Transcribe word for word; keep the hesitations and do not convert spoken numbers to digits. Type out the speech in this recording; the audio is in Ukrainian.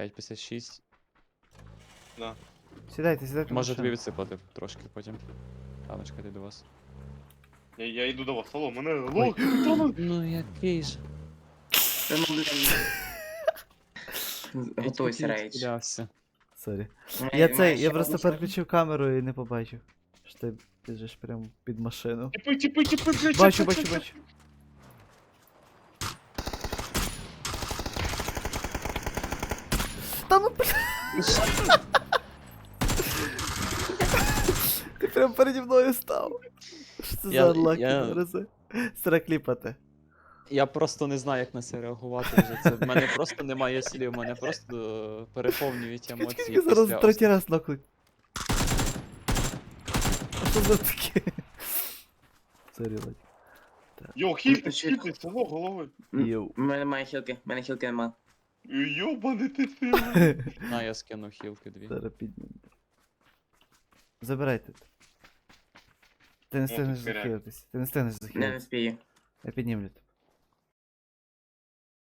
п'ять п'ятдесят шість. Да. Сідайте, сідайте. в Може тобі машину. відсипати трошки потім. Ладно, чекайте до вас. Я, я йду до вас, алло, мене лох, Тома! Ну який же. Та ну, блін. Готуйся, рейдж. Стрілявся. Сорі. Має- Я має цей, ще я просто одну штуку? переключив камеру і не побачив. Що ти біжиш прямо під машину. Тіпи, тіпи, тіпи, блядь, Бачу, щас, бачу, щас, бачу. Та ну бля. Ти прям переді мною став. Що це Я- за анлаки я- нарази? Стара кліпати. Я просто не знаю, як на це реагувати вже. Це в мене просто немає слів, мене просто е, переповнюють емоції. Чекай, зараз після третій раз нокнуть. А що за таке? Сорі, Ладь. Йо, хільтесь, хільтесь, алло, голови. Йоу. У мене немає хілки, у мене хілки нема. Йобаний ти сильний. На, я скинув хілки дві. Зараз піднімемо. Забирайте. Ти не тут встигнеш херяк. захилитись. Ти не встигнеш Не, не захилитись. спію. Я піднімлю. тебе.